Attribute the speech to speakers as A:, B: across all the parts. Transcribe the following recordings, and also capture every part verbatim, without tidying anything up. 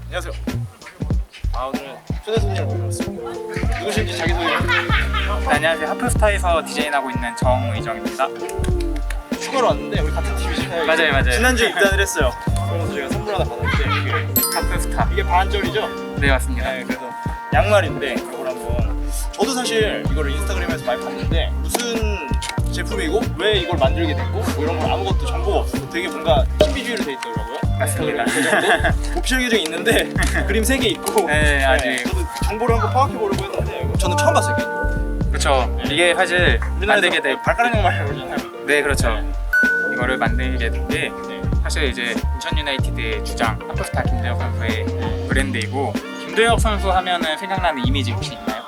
A: 안녕하세요. 아 오늘 초대 손님을 모셨습니다. 누구신지 자기소개 좀.
B: 네, 안녕하세요. 하프스타에서 디자인하고 있는 정의정입니다.
A: 휴가로 왔는데 우리 같은 팀이잖아요.
B: 맞아요, 맞아요.
A: 지난주에 입단을 했어요. 그러면서 제가 선물 하나 받았는데 이게,
B: 하프스타.
A: 이게 반절이죠?
B: 네, 맞습니다.
A: 네, 그래서 양말인데 이걸 한번 저도 사실 이거를 인스타그램에서 많이 봤는데 무슨 제품이고 왜 이걸 만들게 됐고 뭐 이런 건 아무것도 정보가 없어서 되게 뭔가 신비주의로 돼 있더라고요.
B: 맞습니다.
A: 계정도 오피셜 계정이 있는데 그림 세 개 있고
B: 네, 아직.
A: 저도 정보를 한번 파악해 보려고 했는데 저는 처음 봤어요. 개인적으로.
B: 그렇죠. 이게 사실 만들게 될
A: 발가락 양말이라고 그러잖아요.
B: 네, 그렇죠.
A: 네.
B: 이거를 만들게 된 게
A: 네.
B: 사실 이제 인천 유나이티드의 주장 하프스타 김도혁 선수의 브랜드이고, 김도혁 선수 하면은 생각나는 이미지 혹시 있나요?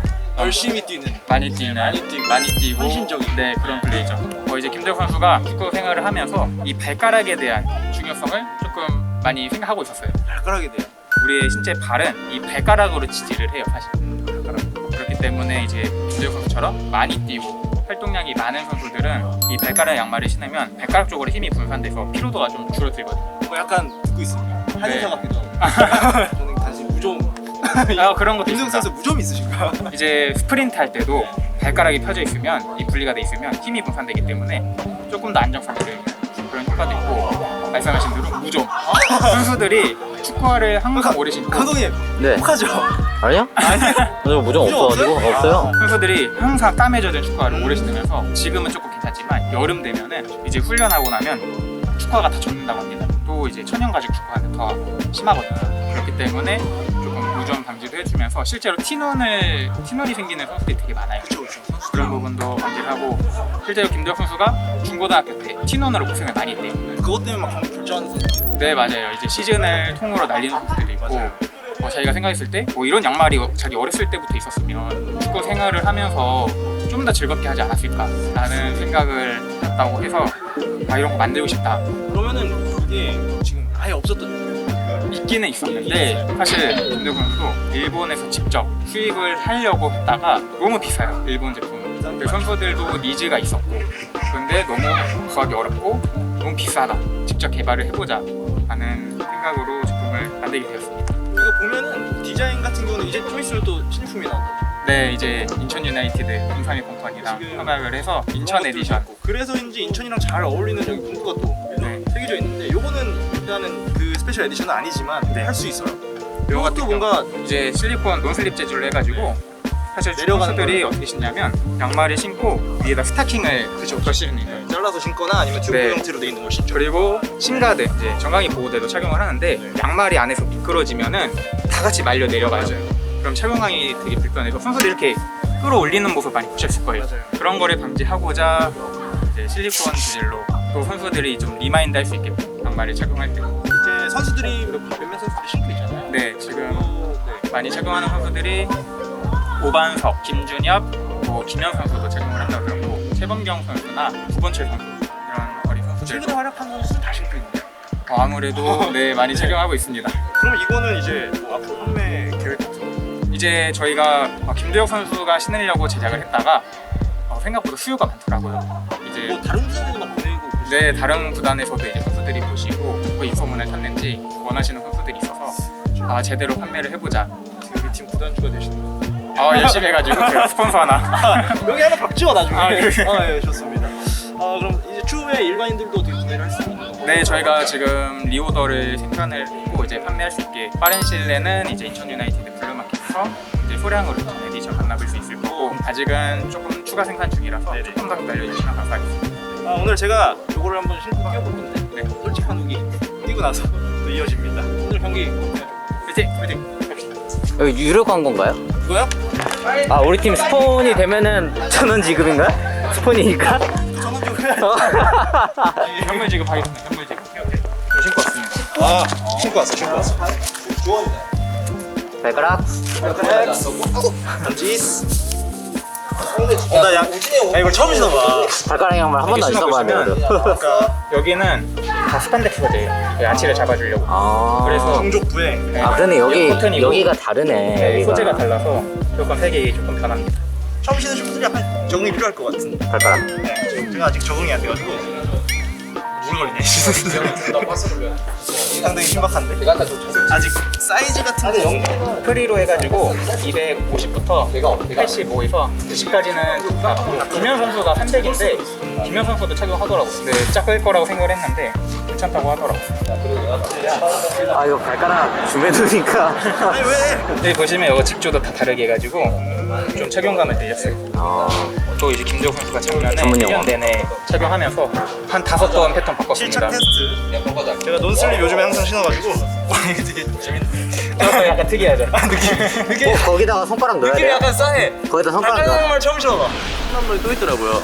A: 열심히 뛰는
B: 많이 뛰는,
A: 많이 뛰고,
B: 많이 뛰고,
A: 헌신적인.
B: 네, 그런 플레이죠. 어, 이제 김도혁 선수가 축구 생활을 하면서 이 발가락에 대한 중요성을 조금 많이 생각하고 있었어요.
A: 발가락에 대한
B: 우리의 신체 발은 이 발가락으로 지지를 해요, 사실.
A: 발가락.
B: 그렇기 때문에 이제 김도혁 선수처럼 많이 뛰고 활동량이 많은 선수들은 이 발가락 양말을 신으면 발가락 쪽으로 힘이 분산돼서 피로도가 좀 줄어들거든요.
A: 뭐 약간 듣고 있습니다. 한의사
B: 네.
A: 같기도 하고. 저는 단지 무좀.
B: 아, 그런 것도
A: 김승
B: 있습니다.
A: 선수 무좀 있으신가?
B: 이제 스프린트 할 때도 발가락이 펴져 있으면, 이 분리가 돼 있으면 힘이 분산되기 때문에 조금 더 안정성을 주는 그런 효과도 있고, 말씀하신 대로 무좀. 선수들이 축구화를 항상 오래 신고,
A: 감독님
C: 네.
A: 혹하죠?
C: 아니요?
A: 아니요.
C: 아니요, 무정
A: 무정
C: 없어가지고
A: 없어요?
C: 없어요.
B: 선수들이 항상 땀에 젖은 축구화를 오래 신으면서, 지금은 조금 괜찮지만 여름 되면은 이제 훈련하고 나면 축구화가 다 젖는다고 합니다. 또 이제 천연 가죽 축구화는 더 심하거든요. 그렇기 때문에 조금 무좀 방지도 해주면서 실제로 티눈을 티눈이 생기는 선수들이 되게 많아요.
A: 그렇죠, 그렇죠.
B: 그런 부분도 방지를 하고, 실제로 김도혁 선수가 중고등학교 때 티눈으로 고생을 많이 했대요.
A: 그것 때문에 막 경기 결정하는 선수.
B: 네, 맞아요. 이제 시즌을 통으로 날리는 선수들이 있고,
A: 맞아요.
B: 어, 자기가 생각했을 때 뭐 이런 양말이 자기 어렸을 때부터 있었으면 축구 생활을 하면서 좀 더 즐겁게 하지 않았을까라는 생각을 했다고 해서, 아, 이런 거 만들고 싶다.
A: 그러면은 이게 지금 아예 없었던 거예요.
B: 있기는 있었는데, 사실 김도혁 선수도 일본에서 직접 수입을 하려고 했다가 너무 비싸요, 일본 제품은. 그 선수들도 니즈가 있었고, 근데 너무 구하기 어렵고 너무 비싸다, 직접 개발을 해보자 라는 생각으로 제품을 만들게 되었습니다.
A: 이거 보면은 디자인 같은 경우는 이제 좀 있으면 또 신제품이 나온다.
B: 네, 이제 인천 유나이티드 인삼이 컴퍼니랑
A: 지금
B: 협약을 해서 인천 에디션.
A: 그래서인지 인천이랑 잘 어울리는 여기 문구가 또
B: 네.
A: 새겨져 있는데 요거는 일단은 그 스페셜 에디션은 아니지만
B: 네.
A: 할 수 있어요.
B: 이거 같은
A: 이것도
B: 경우
A: 뭔가
B: 이제 실리콘 논슬립 재질로 해가지고, 사실
A: 내려가는
B: 선수들이 어떻게 신냐면 양말을 신고 위에다 스타킹을 그쵸 신는 거예요.
A: 잘라서 신거나 아니면 튜브
B: 네.
A: 형태로 돼 있는 걸 신죠.
B: 그리고 신가드, 이제 정강이 보호대도 착용을 하는데,
A: 네.
B: 양말이 안에서 미끄러지면은 다 같이 말려 내려가요. 그럼 착용하기 되게 불편해서 선수들이 이렇게 끌어올리는 모습 많이 보셨을 거예요.
A: 맞아요.
B: 그런 거를 방지하고자 이제 실리콘 재질로, 또 선수들이 좀 리마인드 할 수 있게끔 양말을 착용할 때.
A: 이제 선수들이 몇- 몇몇 선수들이 신고 있잖아요.
B: 네, 지금
A: 어, 네.
B: 많이 착용하는 선수들이 오반석, 김준엽, 뭐 김현 선수도 착용을 한다고 들었고, 최범경 선수나 구본철 선수, 이런 어린 선수들.
A: 최근에 활약한 선수는 다 신고 있는데.
B: 어, 아무래도 네, 많이 착용하고 있습니다.
A: 그럼 이거는 이제 뭐 앞으로 판매 계획 같은 거?
B: 이제 저희가 어, 김도혁 선수가 신으려고 제작을 했다가 어, 생각보다 수요가 많더라고요. 이제
A: 뭐 다른 구단에도 막 보내고 그러시죠?
B: 네, 다른 구단에서도 이제 선수들이 보시고 그 인소문을 탔는지 원하시는 선수들이 있어서, 아, 제대로 판매를 해보자.
A: 우리 팀 구단주가 되시는.
B: 어, 열심히 해가지고 제가 스폰서 하나.
A: 아, 여기 하나 박지워 나중에.
B: 아, 네.
A: 아, 예, 좋습니다. 아, 그럼 이제 추후에 일반인들도 어떻게 구매를 할 수 있는 건가요?
B: 네, 저희가 지금 리오더를 생산을 했고 이제 판매할 수 있게, 빠른 시일 내는 이제 인천 유나이티드 블루마켓에서 이제 소량으로 전 에디션 만나볼 수 있을 거고, 아직은 조금 추가 생산 중이라서
A: 네네.
B: 조금 더 기다려주시면 감사하겠습니다.
A: 아, 오늘 제가 요거를 한번 신고 뛰어볼 건데,
B: 네.
A: 솔직한 후기 뛰고 나서 또 이어집니다. 오늘 경기
B: 화이팅! 화이팅! 갑시다.
C: 여기 유료 광고인가요?
A: 이거요?
C: 아, 우리 팀 스폰이 되면은 천원 지급인가요? 스폰이니까?
A: 저는 좀 해야
B: 현물 지급하겠습니다. 현물 지급. 저 신고 왔습니다.
A: 아, 신고 왔어, 신고 왔어. 좋아합니다.
C: 발가락.
A: 지스. 어, 나 양, 야, 이걸 처음 신어봐.
C: 발가락 양말 한 번도 안 써봐야 돼요.
B: 그러니까 여기는 다 스판덱스 소재예요. 야치를 잡아주려고.
C: 아.
B: 그래서
A: 종족부에.
B: 네.
C: 아, 그러네. 여기,
B: 코튼이고,
C: 여기가 다르네.
B: 네,
C: 여기가.
B: 소재가 달라서 조금 색이 조금 변합니다.
A: 처음 신으신 분들이 약간 적응이 필요할 것 같은데.
C: 발가락.
A: 네, 지금 제가 아직 적응이 안 돼가지고.
B: 두근거리네.
A: 상당히 신박한데? 아직 사이즈 같은 데
B: 프리로 해가지고 이백오십부터 팔십오에서 구십까지는 김현 선수가 삼백인데 김현 선수도 착용하더라고. 근데 작을 거라고 생각을 했는데 괜찮다고 하더라고.
C: 아 이거 발가락 줌해두니까
A: 아니 왜?
B: 여기 보시면 이거 직조도 다 다르게 해가지고 좀 착용감을 들렸어요.
C: 아,
B: 또 이제 김재욱 선수가 착용하는
C: 전문
B: 일 년
C: 용어.
B: 내내 착용하면서 한 다섯 번 패턴 바꿨습니다.
A: 실착 테스트. 제가 논슬립 요즘에 항상 신어가지고 와 이게 되게 재밌네.
B: 저것도 약간 특이하죠.
A: 느낌
C: 어, 거기다가 손가락 넣어야
A: 느낌이
C: 돼요?
A: 약간 싸해.
C: 거기다 손가락 넣어.
A: 발가락 말 처음 신어봐.
C: 한 번이 또 있더라고요.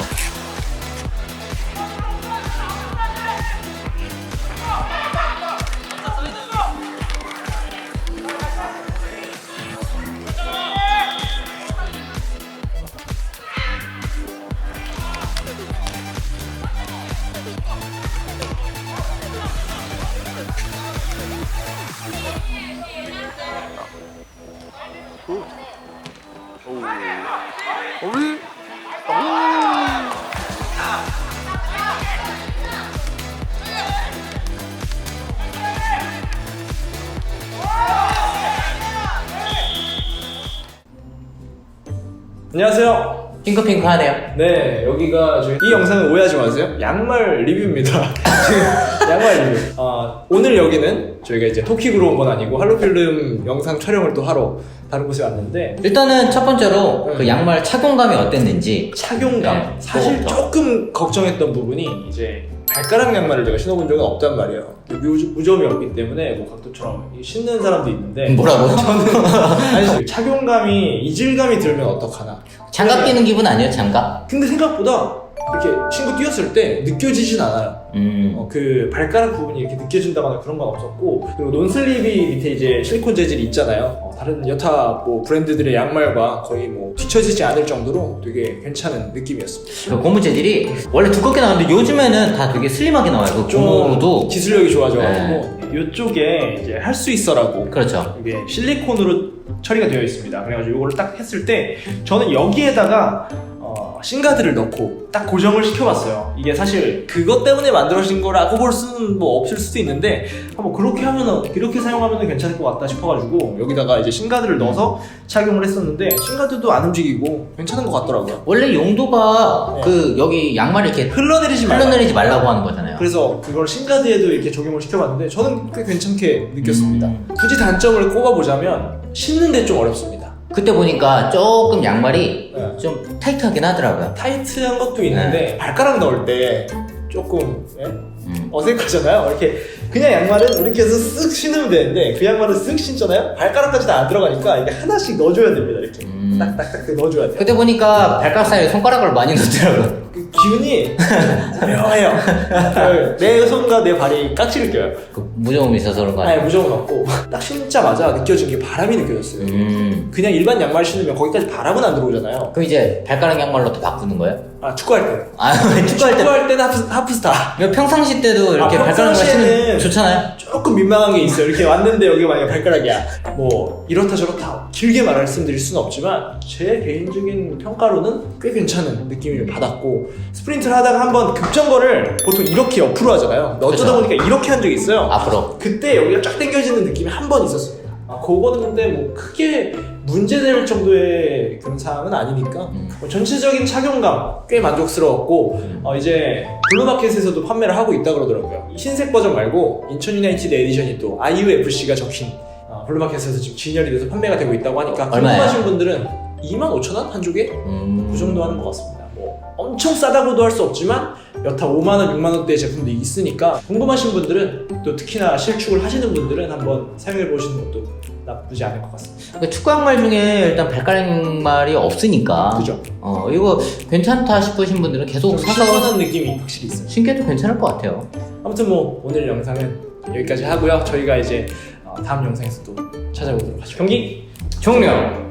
C: 어이?
A: 안녕하세요.
C: 핑크핑크하네요.
A: 네, 여기가 저희 이 영상을 오해하지 마세요. 양말 리뷰입니다. 지금 양말 리뷰. 아, 오늘 여기는 저희가 이제 토킥으로 온 건 아니고 할로필름 영상 촬영을 또 하러 다른 곳에 왔는데
D: 일단은 첫 번째로
A: 네.
D: 그 양말 착용감이 어땠는지.
A: 착용감.
D: 네,
A: 사실
D: 그거부터.
A: 조금 걱정했던 부분이 이제 발가락 양말을 제가 신어본 적은 없단 말이에요. 무- 무좀이 없기 때문에 뭐 각도처럼 신는 사람도 있는데
D: 뭐라고?
A: 저는 아니 착용감이 이질감이 들면 어떡하나.
D: 장갑 끼는 기분 아니에요? 장갑?
A: 근데 생각보다 이렇게 신고 뛰었을 때 느껴지진 않아요.
D: 음.
A: 어, 그 발가락 부분이 이렇게 느껴진다거나 그런 건 없었고, 그리고 논슬립이 밑에 이제 실리콘 재질이 있잖아요. 어, 다른 여타 뭐 브랜드들의 양말과 거의 뭐 뒤처지지 않을 정도로 되게 괜찮은 느낌이었습니다.
D: 그 고무 재질이 원래 두껍게 나오는데 요즘에는 다 되게 슬림하게 나와요. 그
A: 좀
D: 고무도.
A: 기술력이 좋아져가지고 이쪽에 이제 할 수 있어라고
D: 그렇죠.
A: 이게 실리콘으로 처리가 되어 있습니다. 그래가지고 이거를 딱 했을 때 저는 여기에다가 어, 싱가드를 넣고 딱 고정을 시켜봤어요. 이게 사실 그것 때문에 만들어진 거라고 볼 수는 뭐 없을 수도 있는데 한번 그렇게 하면은 이렇게 사용하면 괜찮을 것 같다 싶어가지고 여기다가 이제 싱가드를 넣어서 착용을 했었는데 싱가드도 안 움직이고 괜찮은 것 같더라고요.
D: 원래 용도가
A: 네.
D: 그 여기 양말을 이렇게
A: 흘러내리지 말라.
D: 흘러내리지 말라고 하는 거잖아요.
A: 그래서 그걸 싱가드에도 이렇게 적용을 시켜봤는데 저는 꽤 괜찮게 느꼈습니다.
D: 음.
A: 굳이 단점을 꼽아보자면 신는데 좀 어렵습니다.
D: 그때 보니까 조금 양말이
A: 네.
D: 좀 타이트하긴 하더라고요.
A: 타이트한 것도 있는데 발가락 넣을 때 조금 예?
D: 음.
A: 어색하잖아요. 이렇게 그냥 양말은 이렇게 해서 쓱 신으면 되는데 그 양말은 쓱 신잖아요. 발가락까지 다 안 들어가니까 이게 하나씩 넣어줘야 됩니다. 이렇게
D: 음.
A: 딱딱딱 넣어줘야 돼요.
D: 그때 보니까 발가락 사이에 손가락을 많이 넣더라고요.
A: 그 기운이 묘해요. 내 손과 내 발이 깍지를 껴요.
D: 그 무좀이 있어서 그런 거
A: 아예
D: 아니에요?
A: 무조건 없고 딱 신자마자 느껴진 게 바람이 느껴졌어요.
D: 음.
A: 그냥 일반 양말 신으면 거기까지 바람은 안 들어오잖아요.
D: 그럼 이제 발가락 양말로 또 바꾸는 거예요?
A: 아 축구할 때.
D: 아, 축구할 때.
A: 축구할 때는 하프, 하프스타.
D: 이거 평상시 때도 이렇게
A: 아,
D: 발가락 양말
A: 평상시에는
D: 신으면 좋잖아요?
A: 조금 민망한 게 있어요. 이렇게 왔는데 여기 만약에 발가락이야. 뭐 이렇다 저렇다 길게 말씀드릴 수는 없지만 제 개인적인 평가로는 꽤 괜찮은 느낌을 받았고 스프린트를 하다가 한번 급정거를 보통 이렇게 옆으로 하잖아요. 어쩌다
D: 그쵸.
A: 보니까 이렇게 한 적이 있어요.
D: 앞으로.
A: 그때 여기가 쫙 당겨지는 느낌이 한 번 있었습니다. 아, 그거는 근데 뭐 크게 문제될 정도의 그런 사항은 아니니까
D: 음.
A: 뭐 전체적인 착용감 꽤 만족스러웠고
D: 음.
A: 어, 이제 블루마켓에서도 판매를 하고 있다 그러더라고요. 흰색 버전 말고 인천 유나이티드 에디션이 또 아이유에프씨가 적힌 어, 블루마켓에서 지금 진열이 돼서 판매가 되고 있다고 하니까
D: 얼마예요?
A: 궁금하신 분들은 이만 오천 원 한 쪽에
D: 음.
A: 그 정도 하는 것 같습니다. 뭐 엄청 싸다고도 할 수 없지만 여타 오만 원, 육만 원대의 제품도 있으니까 궁금하신 분들은 또 특히나 실축을 하시는 분들은 한번 사용해 보시는 것도 나쁘지 않을 것 같습니다.
D: 그 축구 양말 중에 일단 발가락 양말이 없으니까.
A: 그죠?
D: 어, 이거 괜찮다 싶으신 분들은 계속 사서
A: 신선한 느낌이 확실히 있어요.
D: 신겨도 괜찮을 것 같아요.
A: 아무튼 뭐 오늘 영상은 여기까지 하고요. 저희가 이제 어, 다음 영상에서 또 찾아오도록 하죠. 경기
D: 종료!